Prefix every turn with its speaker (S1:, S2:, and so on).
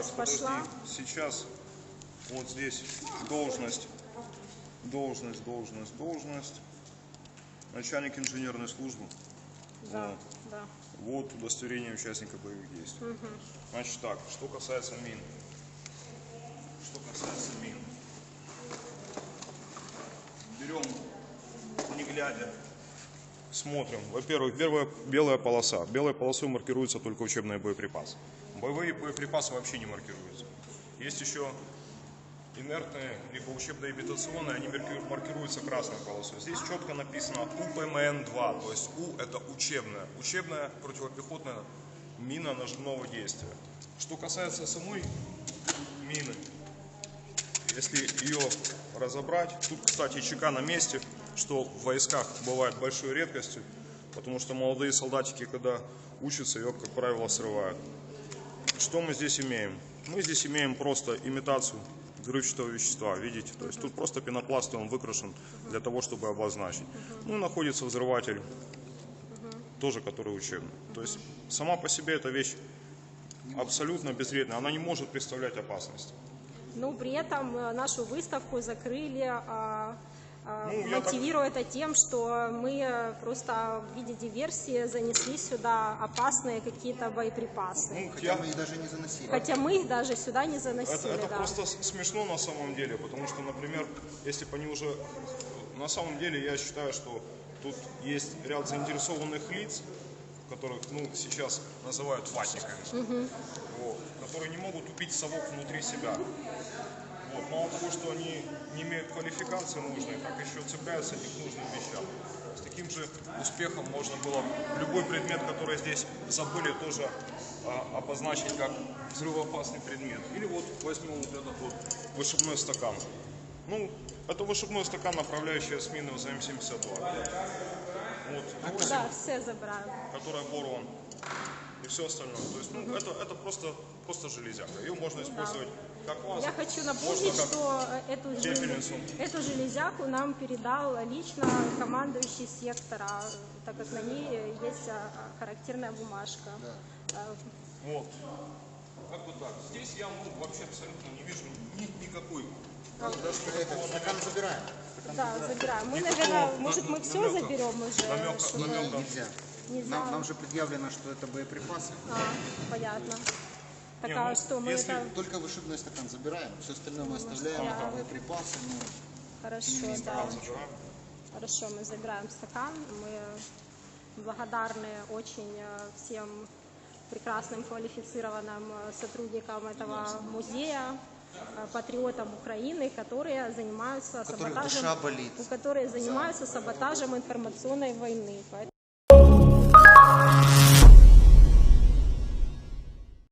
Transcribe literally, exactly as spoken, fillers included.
S1: Сейчас
S2: так,
S1: пошла.
S2: Подожди. Сейчас вот здесь должность, должность, должность, должность. Начальник инженерной службы.
S1: Да,
S2: вот.
S1: да.
S2: Вот удостоверение участника боевых действий.
S1: Угу.
S2: Значит так, что касается мин. Что касается мин. Берем, не глядя, смотрим. Во-первых, первая белая полоса. Белой полосой маркируются только учебные боеприпасы. Боевые боеприпасы вообще не маркируются. Есть еще инертные, либо учебно-имитационные, они маркируются красной полосой. Здесь четко написано У П М Н два, то есть У это учебная. Учебная противопехотная мина нажимного действия. Что касается самой мины, если ее разобрать, тут, кстати, ЧК на месте, что в войсках бывает большой редкостью, потому что молодые солдатики, когда учатся, ее, как правило, срывают. Что мы здесь имеем? Мы здесь имеем просто имитацию взрывчатого вещества, видите? То есть тут просто пенопласт, он выкрашен для того, чтобы обозначить. Ну, находится взрыватель, тоже который учебный. То есть сама по себе эта вещь абсолютно безвредная, она не может представлять опасность.
S1: Ну, при этом нашу выставку закрыли, а, а,
S2: Ну,
S1: мотивируя это тем, что мы просто в виде диверсии занесли сюда опасные какие-то боеприпасы.
S2: Ну,
S3: Хотя
S2: я...
S3: мы их даже не заносили.
S1: Хотя мы их даже сюда не заносили.
S2: Это, это
S1: да.
S2: просто смешно на самом деле, потому что, например, если бы они уже... На самом деле я считаю, что тут есть ряд заинтересованных лиц, которых, ну, сейчас называют ватниками, угу. вот, которые не могут убить совок внутри себя. Вот. Мало того, что они не имеют квалификации нужной, так еще цепляются не к нужным вещам. С таким же успехом можно было любой предмет, который здесь забыли, тоже а, обозначить как взрывоопасный предмет. Или вот возьмем вот этот вот вышибной стакан. Ну, это вышибной стакан, направляющая с мины в З М семьдесят два. Вот,
S1: Да, все забрали.
S2: который порван. И все остальное. То есть, ну, угу. это, это просто, просто железяка. Ее можно использовать да. как лазер.
S1: Я хочу напомнить,
S2: как
S1: что эту, желез... эту железяку нам передал лично командующий сектора, так как на ней есть характерная бумажка.
S3: Да.
S2: Вот. Как бы так. Здесь я ну, вообще абсолютно не вижу ни, никакой.
S3: Ну, это, стакан забираем. Стакан
S1: да,
S3: забираем.
S1: забираем. Мы,
S2: Никакого
S1: наверное, может, мы
S2: намека,
S1: все заберем уже?
S2: Намека,
S1: чтобы...
S2: намека.
S3: Нельзя.
S1: Нельзя.
S3: Нам, нам же предъявлено, что это боеприпасы.
S1: А, понятно. Так
S2: Не,
S1: а
S2: ну,
S1: что, мы
S2: если...
S1: это...
S3: Только вышибной стакан забираем, все остальное мы оставляем,
S1: ага.
S3: боеприпасы. Ну,
S1: Хорошо, да. Хорошо, мы забираем стакан. Мы благодарны очень всем прекрасным квалифицированным сотрудникам этого музея, патриотам Украины, которые занимаются
S3: у которых
S1: саботажем,
S3: душа болит.
S1: которые занимаются саботажем информационной войны.